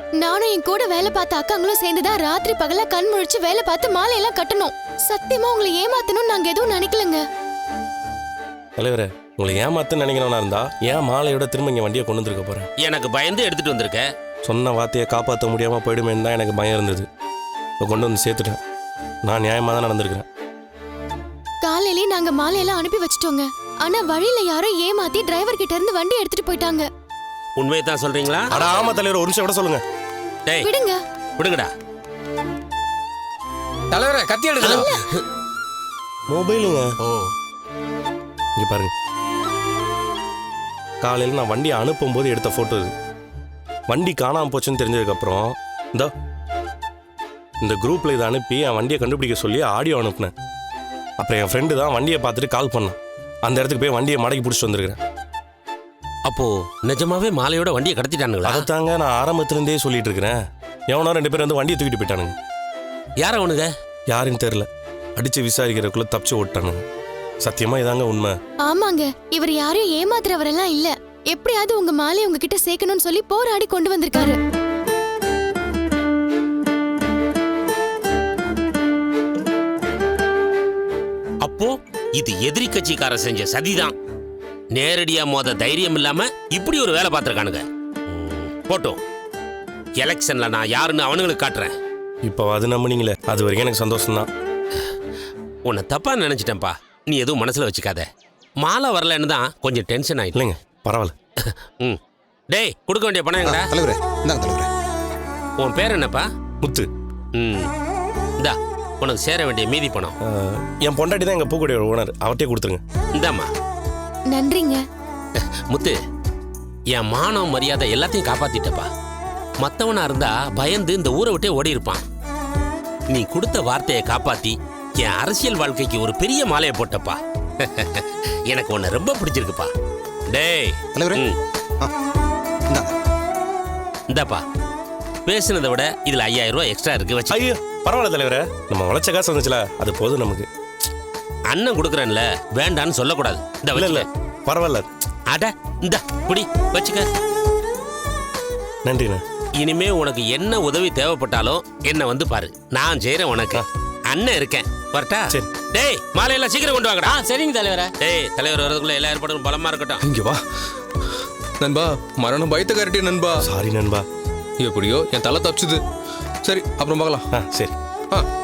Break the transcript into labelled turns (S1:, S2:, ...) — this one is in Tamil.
S1: நானும் என் கூட வேலை பார்த்த அக்காங்களும் சேர்ந்துதான் ராத்திரி பகலா கண் முழிச்சு வேலை பார்த்து மாலையெல்லாம் கட்டணும். சத்தியமா உங்களை ஏமாத்தணும்னு நாங்க எதுவும் நினைக்கலங்க.
S2: தலைவரே, உங்களை ஏமாத்துன்னு நினைக்கிறவனா இருந்தா ஏன் மாலையோட திரும்ப இங்க வண்டியை கொண்டு வந்துருக்க போறேன்?
S3: எனக்கு பயந்து எடுத்துட்டு வந்திருக்க.
S2: சொன்ன வார்த்தையை காப்பாற்ற முடியாம போயிடுமேன்னு தான் எனக்கு பயம் இருந்தது. இப்போ கொண்டு வந்து சேர்த்துட்டேன். நான் நியாயமா தான் நடந்திருக்கிறேன்.
S1: காலையிலே நாங்க மாலையெல்லாம் அனுப்பி வச்சிட்டோங்க. ஆனா வழியில யாரோ ஏமாத்தி டிரைவர் கிட்ட இருந்து வண்டி எடுத்துட்டு போயிட்டாங்க.
S3: உண்மையை தான் சொல்றீங்களா?
S2: அட ஆமா தலைவர், ஒரு நிமிஷம் விட சொல்லுங்க.
S3: டேய்
S1: விடுங்க.
S3: விடுங்கடா.
S4: தலைவரே கத்தி எடுங்க.
S2: மொபைலுங்க.
S3: ஓ
S2: இங்க பாருங்க. காலையில் நான் வண்டியை அனுப்பும் போது எடுத்த போட்டோ இது. வண்டி காணாம போச்சுன்னு தெரிஞ்சதுக்கப்புறம் இந்த குரூப்ல இதை அனுப்பி என் வண்டியை கண்டுபிடிக்க சொல்லி ஆடியோ அனுப்புனேன். அப்புறம் என் ஃப்ரெண்டு தான் வண்டியை பார்த்துட்டு கால் பண்ணான். அந்த இடத்துக்கு போய் வண்டியை மடக்கி பிடிச்சிட்டு வந்துருக்கிறேன்.
S3: அப்போ நிஜமாவே மாலையோட வண்டியை கடத்திட்டானுங்களா?
S2: அதைத்தாங்க நான் ஆரம்பத்திலேருந்தே சொல்லிட்டு இருக்கிறேன். எவனோ 2 பேர் வந்து வண்டியை தூக்கிட்டு போயிட்டானுங்க.
S3: யார அவனுங்க?
S2: யாருன்னு தெரியல. அடிச்சு விசாரிக்கிறதுக்குள்ள தப்பிச்சு ஓட்டானுங்க. சத்தியமா இதாங்க உண்மை.
S1: ஆமாங்க, இவர் யாரையும் ஏமாத்துறவரெல்லாம் இல்ல. எப்படியாவது உங்க மாலையை உங்ககிட்ட சேர்க்கணும்னு சொல்லி போராடி கொண்டு வந்திருக்காரு.
S3: அப்போ இது எதிரி கட்சிக்கார செஞ்ச சதிதான். நேரடியா மோத தைரியம் இல்லாம இப்படி ஒரு வேலை பார்த்திருக்கானுங்க. போட்டோம், எலெக்ஷன்ல நான் யாருன்னு அவனுங்களுக்கு காட்டுறேன்.
S2: இப்போ அது நம்பினீங்களே, அது வரைக்கும் எனக்கு சந்தோஷம்தான்.
S3: உன்னை தப்பா நினைச்சிட்டேன்ப்பா. நீ எதுவும் மனசுல வச்சுக்காத. மாலை வரலன்னு தான் கொஞ்சம் டென்ஷன் ஆயிட்டு.
S2: இல்லைங்க, பரவாயில்ல.
S3: ம் டேய், கொடுக்க வேண்டிய பணம் எங்கடா?
S4: தலைவரே இந்தாங்க தலைவரே.
S3: உன் பேர் என்னப்பா?
S2: முத்து.
S3: ம் இந்தா உனக்கு சேர வேண்டிய மீதி பணம்.
S2: என் பொண்டாட்டி தான் எங்கள் பூக்கடையோட ஓனர். அவர்கிட்டே கொடுத்துருங்க.
S3: இந்தாம்மா.
S1: நன்றிங்க.
S3: முத்து, என் மானம் மரியாதை எல்லாத்தையும் காப்பாத்திட்டப்பா. மற்றவனா இருந்தா பயந்து இந்த ஊரை விட்டே ஓடி இருப்பான். நீ கொடுத்த வார்த்தையை காப்பாத்தி என் அரசியல் வாழ்க்கைக்கு ஒரு பெரிய மாலையை போட்டப்பா. எனக்கு உன்னை ரொம்ப பிடிச்சிருக்குப்பா. டேய்
S4: தலைவரே இந்தாங்க.
S3: இந்தாப்பா, பேசுனதை விட இதுல 5000 ரூபாய் எக்ஸ்ட்ரா இருக்கு. வச்சு.
S2: ஐயோ பரவாயில்ல தலைவரே, நம்ம உழைச்ச காசு வந்துச்சுல, அது போதும் நமக்கு.
S3: அண்ணன் கொடுக்குறேன்ல, வேண்டான்னு சொல்லக்கூடாது. இந்த
S2: இல்ல இல்ல
S3: வச்சுக்க.
S2: பரவாயில்ல.
S3: அட இந்த குடி வச்சுக்க.
S2: நன்றிண்ணே.
S3: இனிமே உனக்கு என்ன உதவி தேவைப்பட்டாலும் என்ன வந்து பாரு, நான் செய்யறேன் உனக்கு. அண்ணன் இருக்கேன். வரட்டா?
S2: சரி.
S3: டேய் மாலையெல்லாம் சீக்கிரம் கொண்டு வாங்கடா. சரிங்க தலைவரே. டேய் தலைவர் வரதுக்குள்ள எல்லா ஏற்பாடும் பலமா இருக்கட்டும்.
S4: இங்க வா நண்பா. மரணம் பயத்தை கரட்டி நண்பா.
S2: சாரி நண்பா.
S4: எப்படியோ என் தலை தப்பிச்சுது. சரி அப்புறம் பார்க்கலாம்.
S2: சரி.